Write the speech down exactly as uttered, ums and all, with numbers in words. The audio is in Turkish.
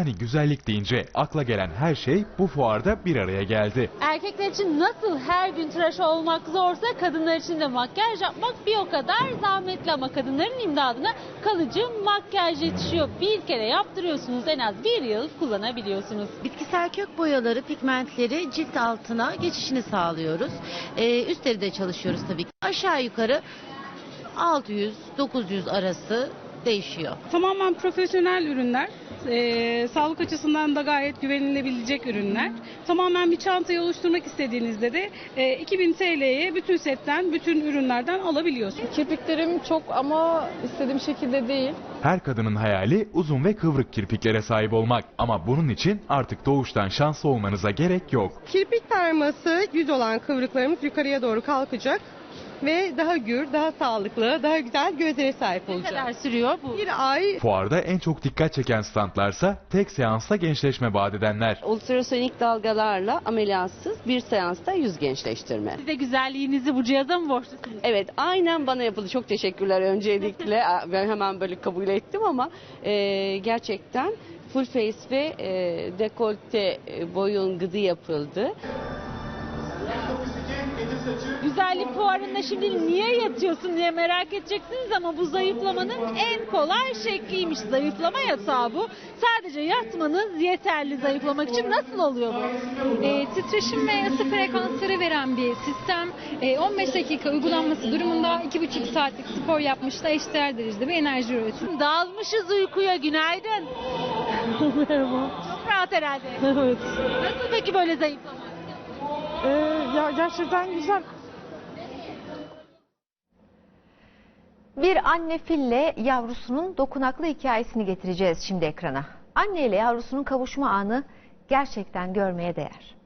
Hani güzellik deyince akla gelen her şey bu fuarda bir araya geldi. Erkekler için nasıl her gün tıraş olmak zorsa kadınlar için de makyaj yapmak bir o kadar zahmetli ama kadınların imdadına kalıcı makyaj yetişiyor. Bir kere yaptırıyorsunuz, en az bir yıl kullanabiliyorsunuz. Bitkisel kök boyaları, pigmentleri cilt altına geçişini sağlıyoruz. Ee, üstleri de çalışıyoruz tabii ki. Aşağı yukarı altı yüz dokuz yüz arası değişiyor. Tamamen profesyonel ürünler. Ee, sağlık açısından da gayet güvenilebilecek ürünler. Tamamen bir çantayı oluşturmak istediğinizde de e, iki bin T L'ye bütün setten, bütün ürünlerden alabiliyorsunuz. Kirpiklerim çok ama istediğim şekilde değil. Her kadının hayali uzun ve kıvrık kirpiklere sahip olmak. Ama bunun için artık doğuştan şanslı olmanıza gerek yok. Kirpik perması düz olan kıvrıklarımız yukarıya doğru kalkacak ve daha gür, daha sağlıklı, daha güzel gözlere sahip Ne olacak. kadar sürüyor bu? Bir ay Fuarda en çok dikkat çeken standlarsa tek seansta gençleşme vaat edenler. Ultrasonik dalgalarla ameliyatsız bir seansta yüz gençleştirme. Siz de güzelliğinizi bu cihaza mı borçlusunuz? Evet, aynen bana yapıldı. Çok teşekkürler öncelikle. Ben hemen böyle kabul ettim ama e, gerçekten full face ve e, dekolte e, boyun gıdı yapıldı. Güzellik fuarında şimdi niye yatıyorsun diye merak edeceksiniz ama bu zayıflamanın en kolay şekliymiş. Zayıflama yatağı bu. Sadece yatmanız yeterli zayıflamak için. Nasıl oluyor bu? E, titreşim ve ısı frekansları veren bir sistem. E, on beş dakika uygulanması durumunda iki buçuk saatlik spor yapmışla eşdeğer derecede bir enerji üretiyor. Dalmışız uykuya, günaydın. Merhaba. Çok rahat herhalde. Evet. Nasıl peki böyle zayıflamak? Ee, ya gerçekten güzel. Bir anne fille yavrusunun dokunaklı hikayesini getireceğiz şimdi ekrana. Anne ile yavrusunun kavuşma anı gerçekten görmeye değer.